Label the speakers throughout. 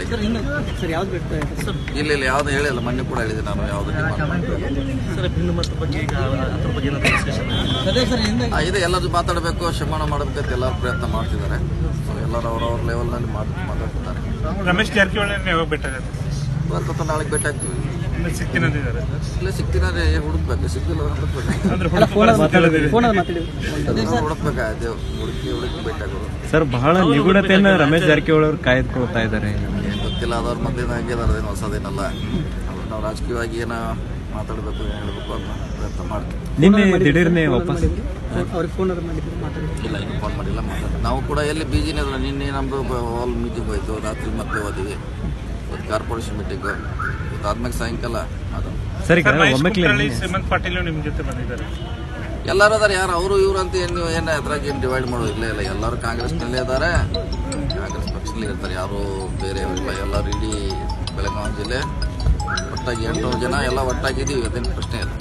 Speaker 1: Sir ಯಾವ್ದು ಬಿಡ್ತಾ ಇದೆ ಸರ್?
Speaker 2: ಇಲ್ಲ ಯಾವ್ದು ಹೇಳಿಲ್ಲ, ಮೊನ್ನೆ ಕೂಡ ಹೇಳಿದೆ ನಾನು ಯಾವ್ದು
Speaker 1: ಸರ್ ಭಿನ್ನಮತ ಬಗ್ಗೆ ಈಗ ಅದ್ರ ಬಗ್ಗೆ
Speaker 2: ಇದೆ. ಎಲ್ಲರೂ ಮಾತಾಡಬೇಕು, ಶಮನ ಮಾಡಬೇಕಂತ ಎಲ್ಲರೂ ಪ್ರಯತ್ನ ಮಾಡ್ತಿದ್ದಾರೆ. ಸೊ ಎಲ್ಲರೂ ಅವ್ರವ್ರ ಲೆವೆಲ್ನಲ್ಲಿ ಮಾತಾಡ್ತಿದ್ದಾರೆ.
Speaker 3: ರಮೇಶ್ ಜಾರಕಿಹೊಳಿ ಯಾವಾಗ ಭೇಟಿ
Speaker 2: ಇವತ್ತು ನಾಳೆಗೆ ಭೇಟಿ ಆಗ್ತೀವಿ.
Speaker 3: ಸಿಗ್ತೀನಂದಿದ್ದಾರೆ.
Speaker 2: ಇಲ್ಲ ಸಿಗ್ತೀನಂದ್ರೆ ಹುಡುಕ್ಬೇಕು, ಸಿಕ್ಕಿಲ್ಲ ಹುಡುಕ್ಬೇಕಾಯ್ತು, ಹುಡುಕಿ ಭೇಟಿ ಆಗೋದು.
Speaker 4: ಸರ್ ಬಹಳ ನಿಗೂಢತೆಯನ್ನ ರಮೇಶ್ ಜಾರಕಿಹೊಳಿ ಅವರು ಕಾಯ್ದುಕೊಳ್ತಾ ಇದ್ದಾರೆ.
Speaker 2: ಗೊತ್ತಿಲ್ಲ, ಅದ್ರ ಮೊದಲಿನ ಹಂಗೇನಾರದೇನು ಹೊಸದೇನಲ್ಲ. ನಾವು ರಾಜಕೀಯವಾಗಿ ಏನೋ ಮಾತಾಡಬೇಕು, ಹೇಳಬೇಕು ಅನ್ನೋ ಪ್ರಯತ್ನ ಮಾಡ್ತೀವಿ.
Speaker 4: ನಿನ್ನೆ ದಿಢೀರ್ನೆ ವಾಪಸ್
Speaker 2: ಇಲ್ಲ, ಇನ್ನು ಫೋನ್ ಮಾಡಿಲ್ಲ, ಮಾತಾಡ್ತೀವಿ. ನಾವು ಕೂಡ ಎಲ್ಲಿ ಬಿಜಿನೇ ಅಲ್ಲ. ನಿನ್ನೆ ನಮ್ಮದು ಹಾಲ್ ಮೀಟಿಂಗ್ ಹೋಯ್ತು, ರಾತ್ರಿ ಮತ್ತೆ ಹೋದಿವಿ. ಕಾರ್ಪೊರೇಷನ್ ಮೀಟಿಂಗು ಆದ್ಮೇಲೆ ಸಾಯಂಕಾಲ ಅದು.
Speaker 4: ಸರಿ,
Speaker 3: ಶ್ರೀಮಂತ್ ಪಾಟೀಲ್ ನಿಮ್ ಜೊತೆ ಬಂದಿದ್ದಾರೆ.
Speaker 2: ಎಲ್ಲರೂ ಅದಾರೆ, ಯಾರು ಅವರು ಇವರು ಅಂತ ನೀವು ಏನು ಅದ್ರಾಗ ಏನು ಡಿವೈಡ್ ಮಾಡೋದಿಲ್ಲ. ಇಲ್ಲ, ಎಲ್ಲರೂ ಕಾಂಗ್ರೆಸ್ನಲ್ಲೇ ಇದ್ದಾರೆ, ಕಾಂಗ್ರೆಸ್ ಪಕ್ಷದಲ್ಲಿ ಇರ್ತಾರೆ, ಯಾರು ಬೇರೆಯವರಿಲ್ಲ. ಎಲ್ಲರೂ ಇಡೀ ಬೆಳಗಾವಿ ಜಿಲ್ಲೆ ಒಟ್ಟಾಗಿ 800 ಜನ ಎಲ್ಲ ಒಟ್ಟಾಗಿದ್ದೀವಿ, ಅದೇನು ಪ್ರಶ್ನೆ ಇಲ್ಲ.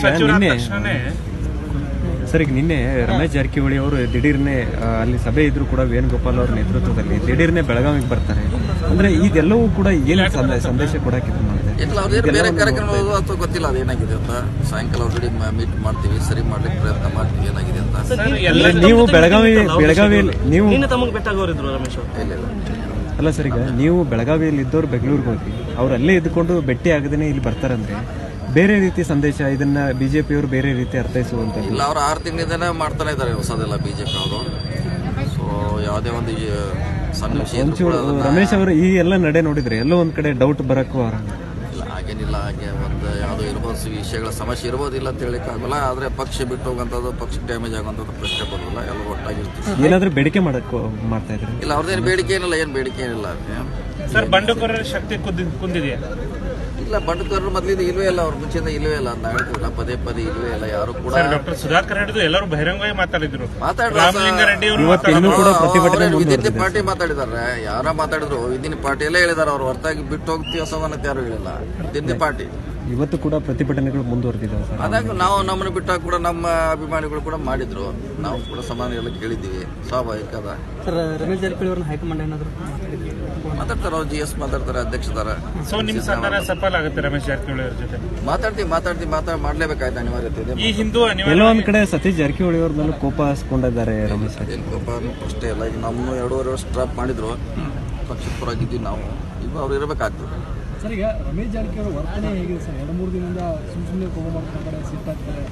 Speaker 4: ಸರ್ ಈಗ ನಿನ್ನೆ ರಮೇಶ್ ಜಾರಕಿಹೊಳಿ ಅವರು ದಿಢೀರ್ನೆ ಅಲ್ಲಿ ಸಭೆ ಇದ್ರು ಕೂಡ ವೇಣುಗೋಪಾಲ್ ಅವರ ನೇತೃತ್ವದಲ್ಲಿ ದಿಢೀರ್ನೆ ಬೆಳಗಾವಿಗೆ ಬರ್ತಾರೆ. ಅಂದ್ರೆ ಇದೆಲ್ಲವೂ ಕೂಡ ಏನು ಸಂದೇಶ ಕೊಡಕ್ಕೆ
Speaker 2: ಇಲ್ಲ, ಅವ್ರು ಬೇರೆ ಕಾರ್ಯಕ್ರಮ ಅಥವಾ ಗೊತ್ತಿಲ್ಲ ಅದೇನಾಗಿದೆ ಅಂತ. ಸಾಯಂಕಾಲ ಅವ್ರ ಮೀಟ್ ಮಾಡ್ತೀವಿ, ಸರಿ ಮಾಡ್ಲಿಕ್ಕೆ ಪ್ರಯತ್ನ ಮಾಡ್ತೀವಿ ಏನಾಗಿದೆ ಅಂತ.
Speaker 4: ನೀವು ಬೆಳಗಾವಿಯಲ್ಲಿ ನೀವು
Speaker 1: ತಮಗೆ ಬೆಟ್ಟಾಗೋರಿದ್ರು ರಮೇಶ್
Speaker 2: ಇಲ್ಲ
Speaker 4: ಅಲ್ಲ ಸರ್, ಈಗ ನೀವು ಬೆಳಗಾವಿಯಲ್ಲಿ ಇದ್ದವ್ರು ಬೆಂಗಳೂರಿಗೆ ಹೋಗಿ ಅವ್ರು ಅಲ್ಲೇ ಇದ್ಕೊಂಡು ಭೇಟಿ ಆಗದೇನೆ ಇಲ್ಲಿ ಬರ್ತಾರಂದ್ರೆ ಬೇರೆ ರೀತಿ ಸಂದೇಶ, ಇದನ್ನ ಬಿಜೆಪಿಯವರು ಬೇರೆ ರೀತಿ ಅರ್ಥೈಸುವಂತ
Speaker 2: ಇಲ್ಲ. ಅವ್ರು 6 ತಿಂಗಳಿಂದನೇ ಮಾಡ್ತಾನೆ ಇದ್ದಾರೆ ಹೊಸದೆಲ್ಲ ಬಿಜೆಪಿ ಅವರು. ಸೊ ಯಾವುದೇ ಒಂದು ಸಣ್ಣ ವಿಷಯ
Speaker 4: ರಮೇಶ್ ಅವರು ಈ ಎಲ್ಲ ನಡೆ ನೋಡಿದ್ರೆ ಎಲ್ಲೋ ಒಂದ್ ಕಡೆ ಡೌಟ್ ಬರಕ್ಕೂ
Speaker 2: ಇಲ್ಲ, ಹಾಗೇನಿಲ್ಲ. ಹಾಗೆ ಒಂದು ಯಾವುದೋ ಇರ್ಬೋದು, ವಿಷಯಗಳ ಸಮಸ್ಯೆ ಇರ್ಬೋದಿಲ್ಲ ಅಂತ ಹೇಳಿಕ್ಕಾಗಲ್ಲ. ಆದ್ರೆ ಪಕ್ಷ ಬಿಟ್ಟು ಹೋಗುವಂಥದ್ದು, ಪಕ್ಷ ಡ್ಯಾಮೇಜ್ ಆಗುವಂಥದ್ದು ಪ್ರಶ್ನೆ ಬರೋದಿಲ್ಲ. ಎಲ್ಲರೂ ಒಟ್ಟಾಗಿರ್ತೀವಿ.
Speaker 4: ಏನಾದ್ರೂ ಬೇಡಿಕೆ ಮಾಡ್ತಾ ಇದ್ದಾರೆ?
Speaker 2: ಇಲ್ಲ, ಅವ್ರದ್ದೇನು ಬೇಡಿಕೆ ಏನಿಲ್ಲ, ಏನು ಬೇಡಿಕೆ ಏನಿಲ್ಲ.
Speaker 3: ಸರ್ ಬಂಡುಕೋರರ ಶಕ್ತಿ ಕುಂದಿದೆಯಾ?
Speaker 2: ಇಲ್ಲ, ಬಂಡುಕೋರರು ಮೊದಲಿಂದ ಇಲ್ವೇ ಇಲ್ಲ, ಅವ್ರ ಮುಂಚೆಯಿಂದ ಇಲ್ವೇ ಇಲ್ಲ ಅಂತ ಹೇಳ್ತೀವಲ್ಲ, ಪದೇ ಪದೇ ಇಲ್ವೇ ಇಲ್ಲ. ಯಾರು ಕೂಡ
Speaker 3: ಡಾಕ್ಟರ್ ಸುಧಾಕರ್ ಹಿಡಿದು ಎಲ್ಲರೂ ಬಹಿರಂಗವಾಗಿ ಮಾತಾಡಿದ್ರು.
Speaker 2: ರಾಮಲಿಂಗಾರೆಡ್ಡಿ ವಿದಿನ್ ಪಾರ್ಟಿ ಮಾತಾಡಿದಾರೆ. ಯಾರ ಮಾತಾಡಿದ್ರು ವಿದಿನ್ ಪಾರ್ಟಿಯಲ್ಲೇ ಹೇಳಿದಾರೆ. ಅವ್ರು ಹೊರತಾಗಿ ಬಿಟ್ಟು ಹೋಗ್ತೀವಿ ಹೊಸವನ್ನತ್ತೆ ಯಾರು ಹೇಳಿಲ್ಲ. ವಿದಿನ್ ಪಾರ್ಟಿ
Speaker 4: ಇವತ್ತು ಕೂಡ ಪ್ರತಿಭಟನೆಗಳು ಮುಂದುವರೆದಿದ್ದಾವೆ ಸರ್.
Speaker 2: ಅದಾಗ ನಾವು ನಮ್ಮನ್ನು ಬಿಟ್ಟಾಗ ಕೂಡ ನಮ್ಮ ಅಭಿಮಾನಿಗಳು ಕೂಡ ಮಾಡಿದ್ರು. ನಾವು ಕೂಡ ಸಮಾನ ಎಲ್ಲ ಕೇಳಿದ್ದೀವಿ, ಸ್ವಾಭಾವಿಕ ಅದ.
Speaker 1: ಸರ್ ರಮೇಶ್ ಜಾರಕಿಹೊಳಿ ಅವ್ರನ್ನ ಹೈಕಮಾಂಡ್ ಏನಾದ್ರು
Speaker 2: ಮಾತಾಡ್ತಾರೆ, ಅವ್ರು GS ಮಾತಾಡ್ತಾರೆ, ಅಧ್ಯಕ್ಷದಾರ.
Speaker 3: ಸೊ ನಿಮ್ ಸಂಧಾನ ಸಫಲ ಆಗುತ್ತೆ ರಮೇಶ್ ಜಾರಕಿಹೊಳಿ ಅವ್ರ ಜೊತೆ?
Speaker 2: ಮಾತಾಡ್ತೀವಿ ಮಾಡ್ಲೇಬೇಕಾಯ್ತು, ಅನಿವಾರ್ಯತೆ ಇದೆ.
Speaker 3: ಈ ಹಿಂದೂ
Speaker 4: ಎಲ್ಲೋ ಒಂದ್ ಕಡೆ ಸತೀಶ್ ಜಾರಕಿಹೊಳಿ ಅವ್ರ ಮೇಲೆ ಕೋಪ ಹಸ್ಕೊಂಡಿದ್ದಾರೆ ರಮೇಶ್.
Speaker 2: ಏನು ಕೋಪ ಅಷ್ಟೇ ಇಲ್ಲ. ಈಗ ನಮ್ಮನ್ನು 2.5 ವರ್ಷ ಡ್ರಾಪ್ ಮಾಡಿದ್ರು, ಪಕ್ಷದ ಪರವಾಗಿದ್ದೀವಿ ನಾವು. ಈಗ ಅವ್ರು ಇರಬೇಕಾಗ್ತದೆ.
Speaker 1: ಸರ್ ಈಗ ರಮೇಶ್ ಜಾರಕಿಹೊಳಿ ವರ್ತನೆ ಹೇಗಿದೆ ಸರ್? 2-3 ದಿನದಿಂದ ಸುಮ್ಮನೆ ಕೋಪ ಮಾಡ್ತಾರೆ, ಸಿಟ್ಟಾಗ್ತಾರೆ.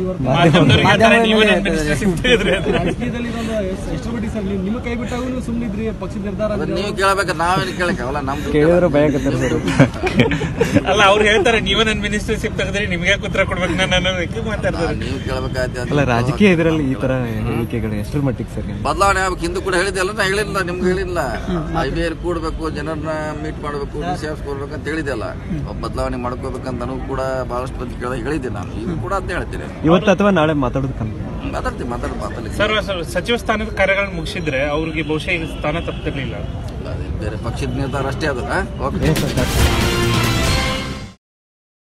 Speaker 1: ರಾಜಕೀಯದಲ್ಲಿ ಎಷ್ಟು ಬಿಟ್ಟು ಸರ್ ನಿಮ್ಮ ಕೈ ಬಿಟ್ಟಾಗೂ ನೀವು ಸುಮ್ಮನಿದ್ರಿ, ಪಕ್ಷದ ನಿರ್ಧಾರ
Speaker 2: ನೀವು ಕೇಳಬೇಕು, ನಾವೇನು ಕೇಳಕ್ಕಾಗಲ್ಲ. ನಮ್ದು
Speaker 4: ಕೇಳಿದ್ರೆ ಭಯ ಆಗುತ್ತೆ ಸರ್.
Speaker 3: ಅಲ್ಲ, ಅವ್ರು ಹೇಳ್ತಾರೆ ನೀವೇ ನನ್ನ ಮಿನಿಸ್ಟರ್ಶಿಪ್ ತೆಗೆದ್ರಿ, ನಿಮ್ಗೆ ಉತ್ತರ ಕೊಡ್ಬೇಕು ನಾನು ಮಾತಾಡ್ತಾರೆ.
Speaker 2: ನೀವು ಕೇಳಬೇಕಾಯ್ತು.
Speaker 4: ಅಲ್ಲ, ರಾಜಕೀಯ ಇದರಲ್ಲಿ ಈ ತರ ಹೇಳಿಕೆಗಳು ಎಷ್ಟರ ಮಟ್ಟಿಗೆ ಸರ್
Speaker 2: ಬದಲಾವಣೆ ಆಗ್ಬೇಕು? ಹಿಂದೂ ಕೂಡ ಹೇಳಿದೆಲ್ಲ, ನಾ ಹೇಳಿಲ್ಲ, ನಿಮ್ಗೆ ಹೇಳಿಲ್ಲ. IBR ಕೂಡಬೇಕು, ಜನರನ್ನ ಮೀಟ್ ಮಾಡಬೇಕು, DCFs ಕೊಡ್ಬೇಕು ಅಂತ ಹೇಳಿದೆಲ್ಲ. ಬದಲಾವಣೆ ಮಾಡ್ಕೋಬೇಕಂತ ನನಗೂ ಕೂಡ ಬಹಳಷ್ಟು ಮಂದಿ ಹೇಳಿದ್ದೆ. ನಾನು ಈಗ ಕೂಡ ಅಂತ ಹೇಳ್ತೀನಿ.
Speaker 4: ಇವತ್ತು ಅಥವಾ ನಾಳೆ ಮಾತಾಡೋದು
Speaker 2: ಮಾತಾಡ್ತೀನಿ.
Speaker 3: ಸರ್ ಸಚಿವ ಸ್ಥಾನದ ಕಾರ್ಯಗಳನ್ನು ಮುಗಿಸಿದ್ರೆ ಅವ್ರಿಗೆ ಬಹುಶಃ ಸ್ಥಾನ ತಪ್ಪಿರ್ಲಿಲ್ಲ.
Speaker 2: ಬೇರೆ ಪಕ್ಷದ ನಿರ್ಧಾರ ಅಷ್ಟೇ ಅದು. ಓಕೆ.